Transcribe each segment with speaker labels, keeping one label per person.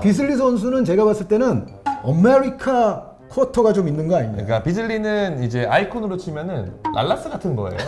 Speaker 1: 비슬리 선수는 제가 봤을 때는 아메리카 쿼터가 좀 있는 거 아닙니까?
Speaker 2: 그러니까 비즐리는 이제 아이콘으로 치면은 랄라스 같은 거예요.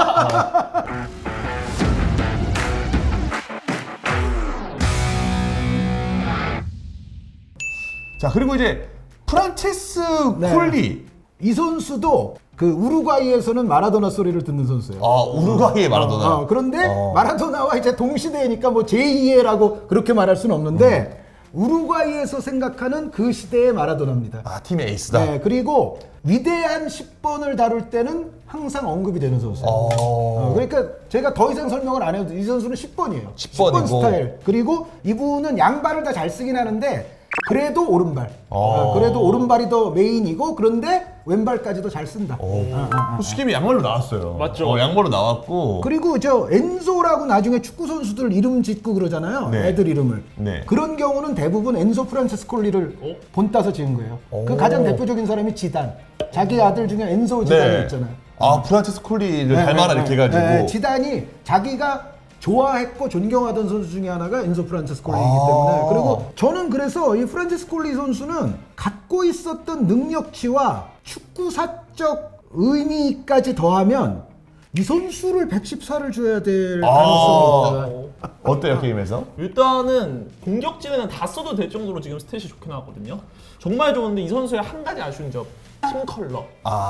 Speaker 2: 자, 그리고 이제 프란체스
Speaker 1: 네.
Speaker 2: 콜리.
Speaker 1: 이 선수도 그 우루과이에서는 마라도나 소리를 듣는 선수예요.
Speaker 2: 아, 우루과이의 마라도나.
Speaker 1: 그런데 마라도나와 이제 동시대니까 뭐 제2의라고 그렇게 말할 수는 없는데 우루과이에서 생각하는 그 시대의 마라도나입니다.
Speaker 2: 아, 팀의 에이스다.
Speaker 1: 네, 그리고 위대한 10번을 다룰 때는 항상 언급이 되는 선수예요. 그러니까 제가 더 이상 설명을 안 해도 이 선수는 10번이에요.
Speaker 2: 10번이고.
Speaker 1: 10번 스타일. 그리고 이분은 양발을 다 잘 쓰긴 하는데 그래도 오른발. 그래도 오른발이 더 메인이고 그런데 왼발까지도 잘 쓴다.
Speaker 2: 수김이 양말로 나왔어요.
Speaker 3: 맞죠.
Speaker 2: 양말로 나왔고.
Speaker 1: 그리고 저 엔소라고 나중에 축구 선수들 이름 짓고 그러잖아요.
Speaker 2: 네.
Speaker 1: 애들 이름을.
Speaker 2: 네.
Speaker 1: 그런 경우는 대부분 엔소 프란체스콜리를 본따서 지은 거예요. 그 가장 대표적인 사람이 지단. 자기 아들 중에 엔소 지단이 있잖아요.
Speaker 2: 아, 프란체스 콜리를 닮아라 이렇게 해가지고.
Speaker 1: 네, 지단이 자기가 좋아했고 존경하던 선수 중에 하나가 엔소 프란체스콜리이기 때문에 그리고 저는 그래서 이 프란체스콜리 선수는 갖고 있었던 능력치와 축구사적 의미까지 더하면 이 선수를 114를 줘야 될 가능성이 있다.
Speaker 2: 어때요, 게임에서?
Speaker 3: 일단은 공격진에는 다 써도 될 정도로 지금 스탯이 좋게 나왔거든요. 정말 좋은데 이 선수의 한 가지 아쉬운 점, 팀 컬러.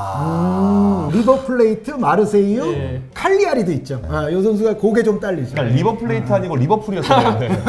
Speaker 1: 리버플레이트, 마르세유,
Speaker 3: 네.
Speaker 1: 칼리아리도 있죠. 이 선수가 고개 좀 딸리죠.
Speaker 2: 그러니까 리버플레이트 아니고 리버풀이었어야 되는데.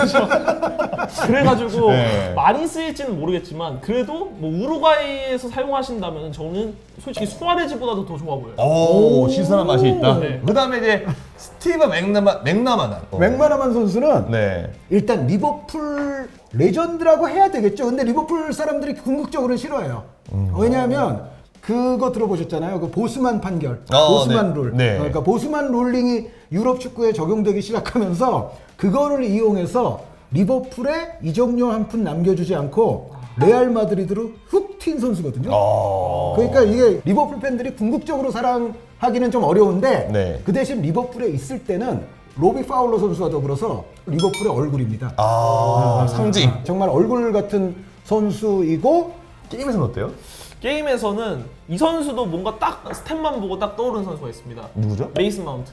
Speaker 3: 그래가지고
Speaker 2: 네.
Speaker 3: 많이 쓰일지는 모르겠지만 그래도 뭐 우루과이에서 사용하신다면 저는 솔직히 수아레즈보다도 더 좋아 보여요.
Speaker 2: 오, 신선한 맛이 있다.
Speaker 3: 네.
Speaker 2: 그 다음에 이제 스티브 맥나마난.
Speaker 1: 맥마나만 선수는
Speaker 2: 네.
Speaker 1: 일단 리버풀 레전드라고 해야 되겠죠. 근데 리버풀 사람들이 궁극적으로는 싫어해요. 왜냐하면 그거 들어보셨잖아요. 그 보스만 판결, 보스만
Speaker 2: 네.
Speaker 1: 룰.
Speaker 2: 네.
Speaker 1: 그러니까 보스만 룰링이 유럽 축구에 적용되기 시작하면서 그거를 이용해서 리버풀에 이적료 한 푼 남겨주지 않고 레알 마드리드로 훅 튄 선수거든요. 그러니까 이게 리버풀 팬들이 궁극적으로 사랑하기는 좀 어려운데
Speaker 2: 네.
Speaker 1: 그 대신 리버풀에 있을 때는 로비 파울러 선수와 더불어서 리버풀의 얼굴입니다.
Speaker 2: 상징.
Speaker 1: 정말 얼굴 같은 선수이고
Speaker 2: 게임에서는 어때요?
Speaker 3: 게임에서는 이 선수도 뭔가 딱 스탯만 보고 딱 떠오르는 선수가 있습니다.
Speaker 2: 누구죠?
Speaker 3: 메이슨 마운트.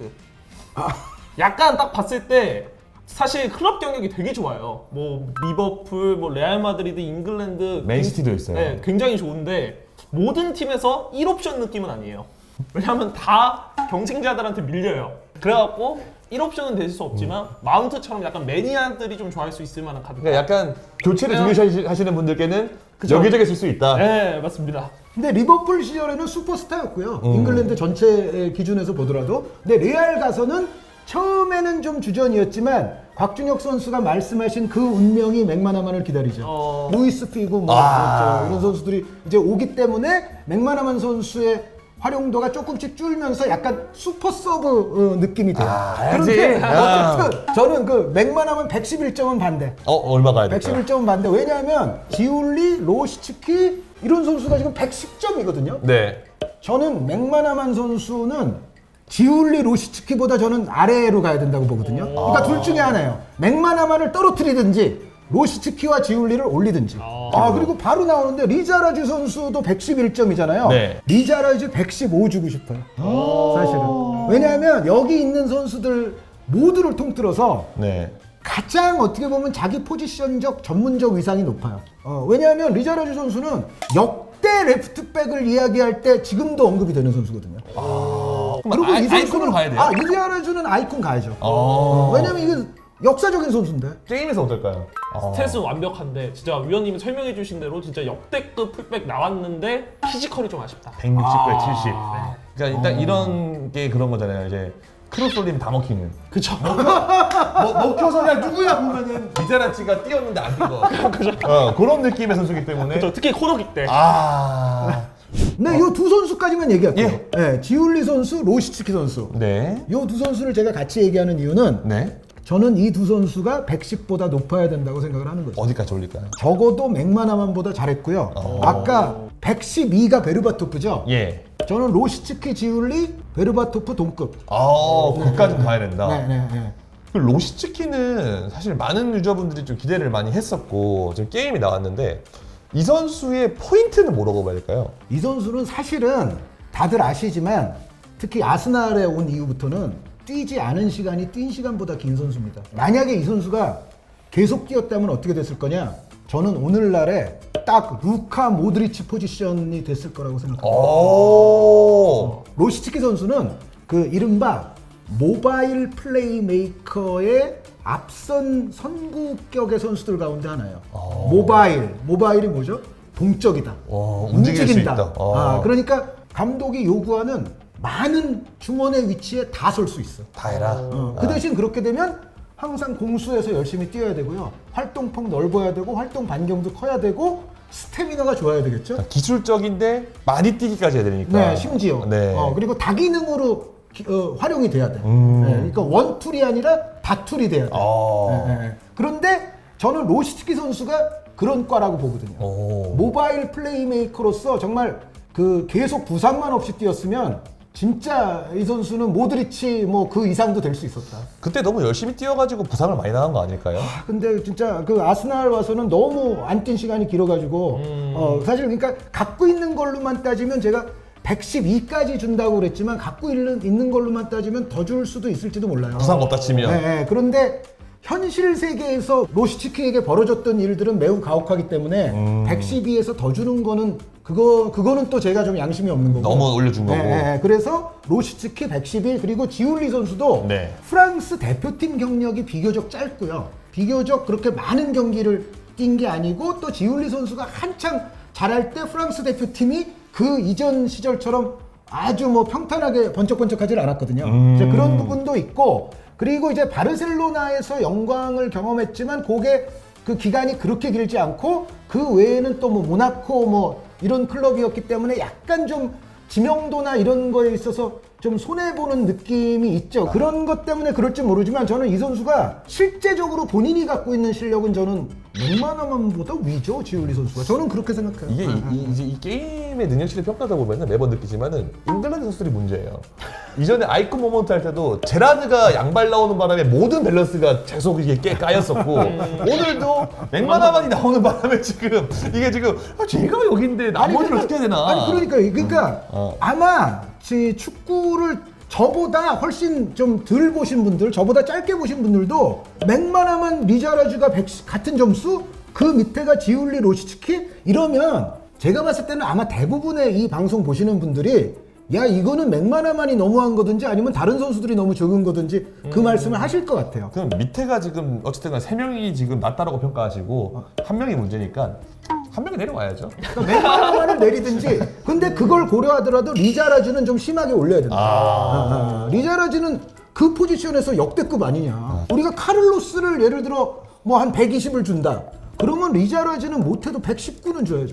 Speaker 3: 약간 딱 봤을 때 사실 클럽 경력이 되게 좋아요. 뭐 리버풀, 뭐 레알 마드리드, 잉글랜드,
Speaker 2: 맨시티도 있어요.
Speaker 3: 네, 굉장히 좋은데 모든 팀에서 1옵션 느낌은 아니에요. 왜냐하면 다 경쟁자들한테 밀려요. 그래갖고 1옵션은 될 수 없지만 마운트처럼 약간 매니아들이 좀 좋아할 수 있을 만한 카드.
Speaker 2: 그러니까 약간 교체를 중요시하시는 분들께는
Speaker 3: 그쵸.
Speaker 2: 여기저기 쓸 수 있다.
Speaker 3: 네, 맞습니다.
Speaker 1: 근데 리버풀 시절에는 슈퍼스타였고요. 잉글랜드 전체 기준에서 보더라도. 근데 레알 가서는 처음에는 좀 주전이었지만 곽준혁 선수가 말씀하신 그 운명이 맥마나만을 기다리죠. 루이스 피고 뭐 그렇죠. 이런 선수들이 이제 오기 때문에 맥마나만 선수의 활용도가 조금씩 줄면서 약간 슈퍼 서브 느낌이 돼요. 그런데 어쨌든 저는 그 맥마나만 111점은 반대.
Speaker 2: 얼마 가야 될까요?
Speaker 1: 111점은 반대. 왜냐하면 지울리, 로시츠키 이런 선수가 지금 110점이거든요.
Speaker 2: 네.
Speaker 1: 저는 맥마나만 선수는 지울리, 로시츠키보다 저는 아래로 가야 된다고 보거든요. 그러니까 둘 중에 하나예요. 맥마나만을 떨어뜨리든지 로시츠키와 지울리를 올리든지. 그리고 바로 나오는데 리자라주 선수도 111점이잖아요.
Speaker 2: 네.
Speaker 1: 리자라주 115 주고 싶어요. 사실은. 왜냐하면 여기 있는 선수들 모두를 통틀어서
Speaker 2: 네.
Speaker 1: 가장 어떻게 보면 자기 포지션적 전문적 위상이 높아요. 왜냐하면 리자라주 선수는 역대 레프트백을 이야기할 때 지금도 언급이 되는 선수거든요. 그리고 이
Speaker 2: 아이콘으로 가야 돼요?
Speaker 1: 리자라주는 아이콘 가야죠. 왜냐하면 이건 역사적인 선수인데.
Speaker 2: 게임에서 어떨까요?
Speaker 3: 스탯은 완벽한데 진짜 위원님이 설명해 주신 대로 진짜 역대급 풀백 나왔는데 피지컬이 좀 아쉽다.
Speaker 2: 160에 70. 그러니까 일단 이런 게 그런 거잖아요. 이제 크로스 올리면 다 먹히는.
Speaker 3: 그쵸.
Speaker 2: 먹혀서 그냥 누구야 보면은 미자라치가 뛰었는데 안 뛴 거. 그런 느낌의 선수기 때문에.
Speaker 3: 그쵸. 특히 코너킥 때.
Speaker 1: 네, 이 두 선수까지만 얘기할게요. 네, 지울리 선수, 로시츠키 선수.
Speaker 2: 네.
Speaker 1: 이 두 선수를 제가 같이 얘기하는 이유는
Speaker 2: 네.
Speaker 1: 저는 이 두 선수가 110보다 높아야 된다고 생각을 하는 거죠.
Speaker 2: 어디까지 올릴까요?
Speaker 1: 적어도 맥마나만보다 잘했고요. 아까 112가 베르바토프죠?
Speaker 2: 예.
Speaker 1: 저는 로시츠키, 지울리, 베르바토프 동급.
Speaker 2: 그까지 가야 된다.
Speaker 1: 네.
Speaker 2: 그 로시츠키는 사실 많은 유저분들이 좀 기대를 많이 했었고 지금 게임이 나왔는데 이 선수의 포인트는 뭐라고 봐야 될까요?
Speaker 1: 이 선수는 사실은 다들 아시지만 특히 아스날에 온 이후부터는 뛰지 않은 시간이 뛴 시간보다 긴 선수입니다. 만약에 이 선수가 계속 뛰었다면 어떻게 됐을 거냐? 저는 오늘날에 딱 루카 모드리치 포지션이 됐을 거라고 생각합니다.
Speaker 2: 오.
Speaker 1: 로시츠키 선수는 그 이른바 모바일 플레이메이커의 앞선 선구격의 선수들 가운데 하나예요. 모바일이 뭐죠? 동적이다.
Speaker 2: 움직일 수 있다.
Speaker 1: 그러니까 감독이 요구하는 많은 중원의 위치에 다 설 수 있어.
Speaker 2: 다 해라.
Speaker 1: 그 대신 그렇게 되면 항상 공수에서 열심히 뛰어야 되고요. 활동폭 넓어야 되고 활동 반경도 커야 되고 스태미나가 좋아야 되겠죠.
Speaker 2: 기술적인데 많이 뛰기까지 해야 되니까.
Speaker 1: 네, 심지어.
Speaker 2: 네.
Speaker 1: 그리고 다기능으로 활용이 돼야 돼. 네, 그러니까 원툴이 아니라 다툴이 돼야 돼. 네. 그런데 저는 로시츠키 선수가 그런 과라고 보거든요. 모바일 플레이메이커로서 정말 그 계속 부상만 없이 뛰었으면 진짜 이 선수는 모드리치 뭐 그 이상도 될 수 있었다.
Speaker 2: 그때 너무 열심히 뛰어가지고 부상을 많이 당한 거 아닐까요?
Speaker 1: 근데 진짜 그 아스날 와서는 너무 안 뛴 시간이 길어가지고 사실 그러니까 갖고 있는 걸로만 따지면 제가 112까지 준다고 그랬지만 갖고 있는 걸로만 따지면 더 줄 수도 있을지도 몰라요.
Speaker 2: 부상 없다 치면.
Speaker 1: 네, 그런데 현실 세계에서 로시츠키에게 벌어졌던 일들은 매우 가혹하기 때문에 112에서 더 주는 거는 그거는 또 제가 좀 양심이 없는 거고.
Speaker 2: 너무 올려준 거고.
Speaker 1: 그래서 로시츠키 111 그리고 지울리 선수도
Speaker 2: 네.
Speaker 1: 프랑스 대표팀 경력이 비교적 짧고요. 비교적 그렇게 많은 경기를 뛴 게 아니고 또 지울리 선수가 한창 잘할 때 프랑스 대표팀이 그 이전 시절처럼 아주 뭐 평탄하게 번쩍번쩍하지 않았거든요. 이제 그런 부분도 있고 그리고 이제 바르셀로나에서 영광을 경험했지만 그게 그 기간이 그렇게 길지 않고 그 외에는 또 뭐 모나코 뭐 이런 클럽이었기 때문에 약간 좀 지명도나 이런 거에 있어서 좀 손해보는 느낌이 있죠. 그런 것 때문에 그럴지 모르지만 저는 이 선수가 실제적으로 본인이 갖고 있는 실력은 저는 맥마나만보다 위죠, 지울리 선수가. 저는 그렇게 생각해요.
Speaker 2: 이게 이제 이 게임의 능력치를 평가하다 보면 매번 느끼지만은 잉글랜드 선수들이 문제예요. 이전에 아이콘 모먼트 할 때도 제라드가 양발 나오는 바람에 모든 밸런스가 계속 이게 까였었고 오늘도 맥마나만이 나오는 바람에 지금 이게 지금 제가 여기인데 나머지를 어떻게 해야 되나?
Speaker 1: 아니 그러니까 아마 축구를 저보다 훨씬 좀 덜 보신 분들, 저보다 짧게 보신 분들도 맥마나만 리자라즈가 같은 점수, 그 밑에가 지울리 로시츠키 이러면 제가 봤을 때는 아마 대부분의 이 방송 보시는 분들이 야 이거는 맥마나만이 너무한 거든지 아니면 다른 선수들이 너무 적은 거든지 그 말씀을 하실 것 같아요.
Speaker 2: 그럼 밑에가 지금 어쨌든 간에 3명이 지금 낮다라고 평가하시고 한 명이 문제니까 한 명이 내려와야죠.
Speaker 1: 그러니까 맥마나만을 내리든지 근데 그걸 고려하더라도 리자라즈는 좀 심하게 올려야 된다. 리자라즈는 그 포지션에서 역대급 아니냐. 우리가 카를로스를 예를 들어 뭐 한 120을 준다. 그러면 리자라즈는 못해도 119는 줘야죠.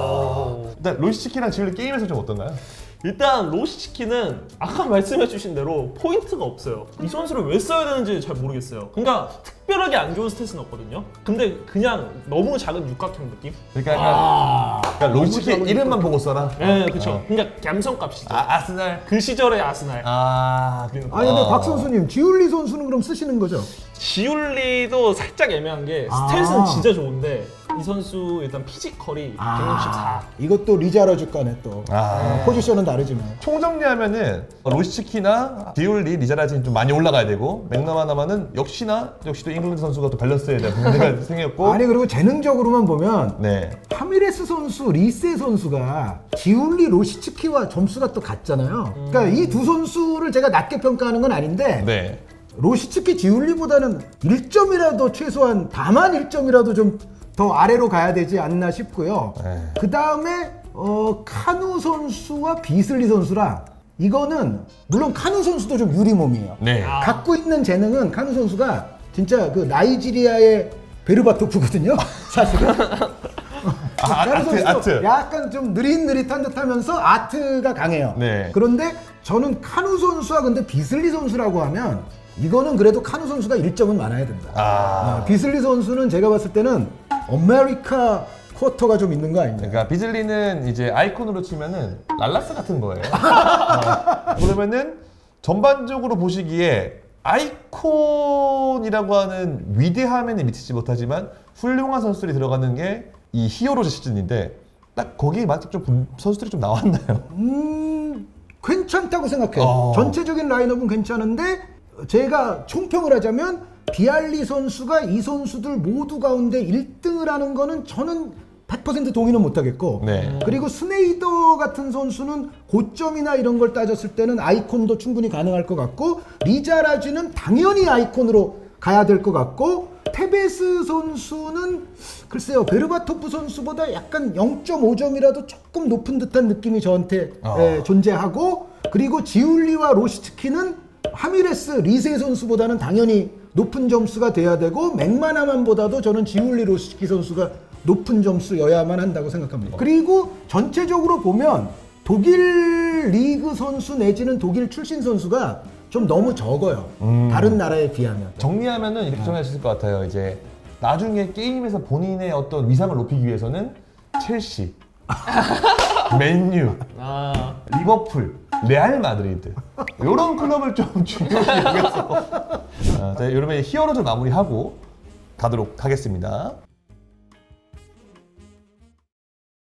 Speaker 2: 일단 로시츠키랑 지금 게임에서 좀 어떤가요?
Speaker 3: 일단 로시츠키는 아까 말씀해주신 대로 포인트가 없어요. 이 선수를 왜 써야 되는지 잘 모르겠어요. 그러니까 특별하게 안 좋은 스탯은 없거든요. 근데 그냥 너무 작은 육각형 느낌?
Speaker 2: 그러니까 로시츠키 이름만 보고 써라.
Speaker 3: 네, 그렇죠. 그러니까 감성값이죠.
Speaker 2: 아스날.
Speaker 3: 그 시절의 아스날.
Speaker 1: 아니 근데 박 선수님 지울리 선수는 그럼 쓰시는 거죠?
Speaker 3: 지울리도 살짝 애매한 게 스탯은 진짜 좋은데 이 선수 일단 피지컬이 164.
Speaker 1: 이것도 리자라즈 간에 또 포지션은 다르지만
Speaker 2: 총정리하면은 로시츠키나 디올리, 리자라진이 좀 많이 올라가야 되고 맥나마나만은 역시도 잉글랜드 선수가 또 밸런스에 대한 문제가 생겼고
Speaker 1: 아니 그리고 재능적으로만 보면
Speaker 2: 네.
Speaker 1: 파미레스 선수, 리세 선수가 지울리, 로시츠키와 점수가 또 같잖아요. 그러니까 이 두 선수를 제가 낮게 평가하는 건 아닌데
Speaker 2: 네.
Speaker 1: 로시츠키, 지울리보다는 1점이라도 최소한 다만 1점이라도 좀 더 아래로 가야 되지 않나 싶고요. 그 다음에 카누 선수와 비슬리 선수라 이거는 물론 카누 선수도 좀 유리 몸이에요.
Speaker 2: 네.
Speaker 1: 갖고 있는 재능은 카누 선수가 진짜 그 나이지리아의 베르바토프거든요. 사실은. 카누 선수도
Speaker 2: 아트.
Speaker 1: 약간 좀 느릿느릿한 듯하면서 아트가 강해요.
Speaker 2: 네.
Speaker 1: 그런데 저는 카누 선수와 근데 비슬리 선수라고 하면 이거는 그래도 카누 선수가 1점은 많아야 된다. 비슬리 선수는 제가 봤을 때는 아메리카 쿼터가 좀 있는 거 아니냐.
Speaker 2: 그러니까 비즐리는 이제 아이콘으로 치면은 랄라스 같은 거예요. 그러면은 전반적으로 보시기에 아이콘이라고 하는 위대함에는 미치지 못하지만 훌륭한 선수들이 들어가는 게 이 히어로즈 시즌인데 딱 거기에 맞게 좀 선수들이 좀 나왔나요?
Speaker 1: 괜찮다고 생각해요. 전체적인 라인업은 괜찮은데 제가 총평을 하자면 비알리 선수가 이 선수들 모두 가운데 1등을 하는 거는 저는 100% 동의는 못하겠고
Speaker 2: 네.
Speaker 1: 그리고 스네이더 같은 선수는 고점이나 이런 걸 따졌을 때는 아이콘도 충분히 가능할 것 같고 리자라지는 당연히 아이콘으로 가야 될 것 같고 테베스 선수는 글쎄요 베르바토프 선수보다 약간 0.5점이라도 조금 높은 듯한 느낌이 저한테 존재하고 그리고 지울리와 로시츠키는 하미레스 리세 선수보다는 당연히 높은 점수가 돼야 되고 맥마나만보다도 저는 지울리 로시츠키 선수가 높은 점수여야만 한다고 생각합니다. 그리고 전체적으로 보면 독일 리그 선수 내지는 독일 출신 선수가 좀 너무 적어요. 다른 나라에 비하면.
Speaker 2: 정리하면은 이렇게 정할 수 있을 것 같아요. 이제 나중에 게임에서 본인의 어떤 위상을 높이기 위해서는 첼시, 맨유, 리버풀, 레알 마드리드 이런 클럽을 좀 중요시 여겨서 여름에 히어로즈 마무리하고 가도록 하겠습니다.